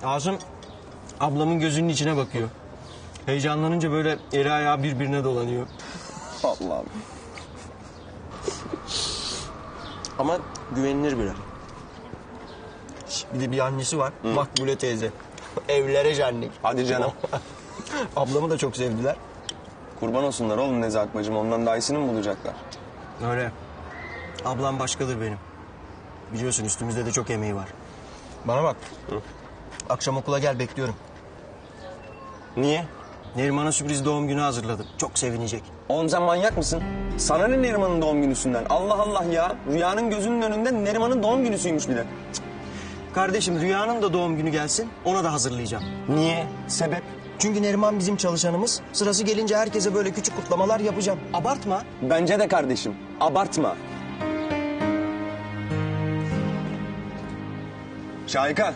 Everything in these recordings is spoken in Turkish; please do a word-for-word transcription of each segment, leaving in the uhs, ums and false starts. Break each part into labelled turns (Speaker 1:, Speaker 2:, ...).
Speaker 1: Asım ablamın gözünün içine bakıyor. Heyecanlanınca böyle eli ayağı birbirine dolanıyor.
Speaker 2: Allah'ım.
Speaker 1: Ama güvenilir biri. Bir de bir annesi var. Hı. Makbule teyze. Evlere şenlik.
Speaker 2: Hadi canım.
Speaker 1: Ablamı da çok sevdiler.
Speaker 2: Kurban olsunlar oğlum Nezahat bacım. Ondan daha iyisini mi bulacaklar?
Speaker 1: Öyle. Ablam başkadır benim. Biliyorsun üstümüzde de çok emeği var. Bana bak. Hı? Akşam okula gel, bekliyorum.
Speaker 2: Niye?
Speaker 1: Neriman'a sürpriz doğum günü hazırladım. Çok sevinecek.
Speaker 2: Oğlum sen manyak mısın? Sana ne Neriman'ın doğum günüsünden? Allah Allah ya. Rüyanın gözünün önünde Neriman'ın doğum günüsüymüş bir de.
Speaker 1: Kardeşim Rüya'nın da doğum günü gelsin. Ona da hazırlayacağım.
Speaker 2: Niye? Sebep?
Speaker 1: Çünkü Neriman bizim çalışanımız. Sırası gelince herkese böyle küçük kutlamalar yapacağım. Abartma.
Speaker 2: Bence de kardeşim. Abartma. Şahika.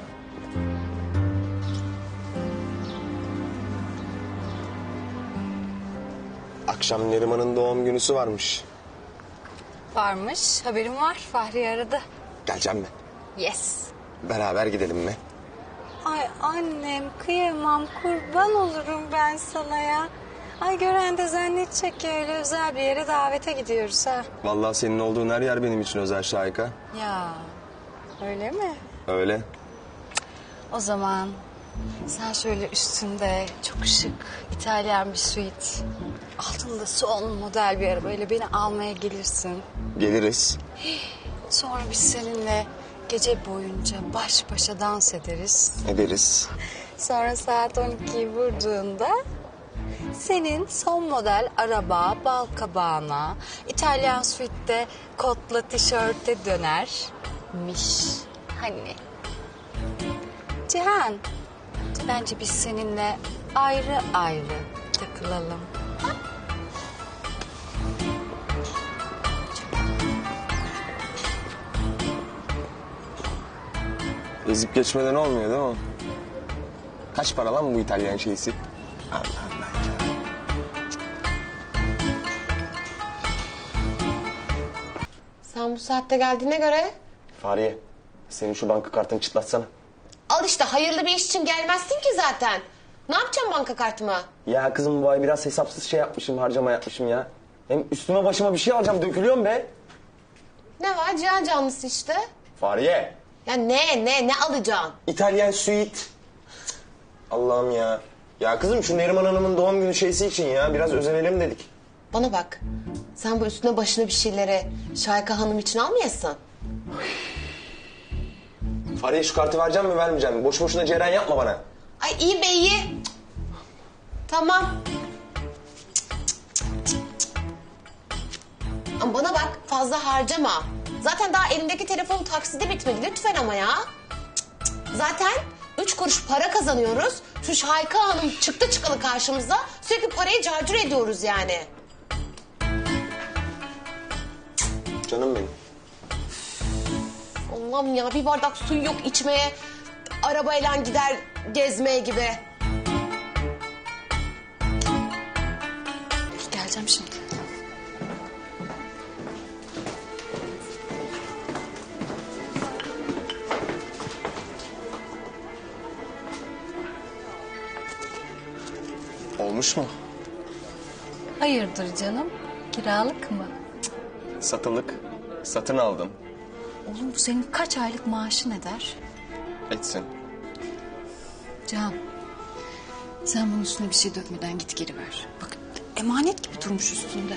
Speaker 2: Akşam Neriman'ın doğum günüsü varmış.
Speaker 3: Varmış. Haberim var. Fahri aradı.
Speaker 2: Geleceğim mi?
Speaker 3: Yes.
Speaker 2: Beraber gidelim mi?
Speaker 3: Ay annem kıyamam. Kurban olurum ben sana ya. Ay gören de zannedecek ki öyle özel bir yere davete gidiyoruz ha.
Speaker 2: Vallahi senin olduğun her yer benim için özel Şahika.
Speaker 3: Ya öyle mi?
Speaker 2: Öyle.
Speaker 3: O zaman sen şöyle üstünde çok şık İtalyan bir suite, altında son model bir arabayla beni almaya gelirsin.
Speaker 2: Geliriz.
Speaker 3: Sonra biz seninle gece boyunca baş başa dans ederiz.
Speaker 2: Ederiz.
Speaker 3: Sonra saat on ikiyi vurduğunda senin son model araba bal kabağına, İtalyan suite'de kotla tişörte dönermiş. Hani? Cihan, bence biz seninle ayrı ayrı takılalım. Ha?
Speaker 2: Ezip geçmeden olmuyor değil mi? Kaç para lan bu İtalyan şeysi? Allah Allah.
Speaker 4: Sen bu saatte geldiğine göre...
Speaker 2: Fahriye, senin şu banka kartını çıtlatsana.
Speaker 4: Al işte, hayırlı bir iş için gelmezsin ki zaten. Ne yapacağım banka kartımı?
Speaker 2: Ya kızım bu ay biraz hesapsız şey yapmışım, harcama yapmışım ya. Hem üstüme başıma bir şey alacağım, dökülüyorum be.
Speaker 4: Ne var? Cihan canlısı işte.
Speaker 2: Fahriye.
Speaker 4: Ya ne, ne, ne alacaksın?
Speaker 2: İtalyan suite. Allah'ım ya. Ya kızım şu Neriman Hanım'ın doğum günü şeysi için ya biraz özenelim dedik.
Speaker 4: Bana bak, sen bu üstüne başına bir şeyleri Şahika Hanım için almayasın.
Speaker 2: Fahriye şu kartı vereceğim mi vermeyeceğim mi? Boş boşuna ceren yapma bana.
Speaker 4: Ay iyi be iyi. Tamam. Ama bana bak, fazla harcama. Zaten daha elimdeki telefonun taksidi bitmedi lütfen ama ya. Zaten üç kuruş para kazanıyoruz. Şu Şahika Hanım çıktı çıkalı karşımıza. Sürekli parayı carcur ediyoruz yani.
Speaker 2: Canım benim.
Speaker 4: Allah'ım ya, bir bardak su yok içmeye. Arabayla gider gezmeye gibi.
Speaker 3: Geleceğim şimdi.
Speaker 2: Olmuş mu?
Speaker 3: Hayırdır canım? Kiralık mı?
Speaker 2: Satılık. Satın aldım.
Speaker 3: Oğlum bu senin kaç aylık maaşın eder?
Speaker 2: Etsin.
Speaker 3: Can, sen bunun üstüne bir şey dökmeden git geri ver. Bak emanet gibi durmuş üstünde.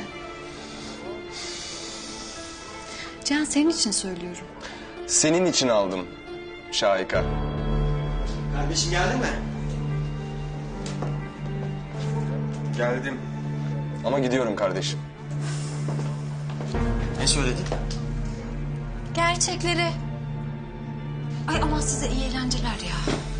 Speaker 3: Can senin için söylüyorum.
Speaker 2: Senin için aldım Şahika.
Speaker 1: Kardeşim geldin mi?
Speaker 2: Geldim. Ama gidiyorum kardeşim.
Speaker 1: Ne söyledin?
Speaker 3: Gerçekleri. Ay aman size iyi eğlenceler ya.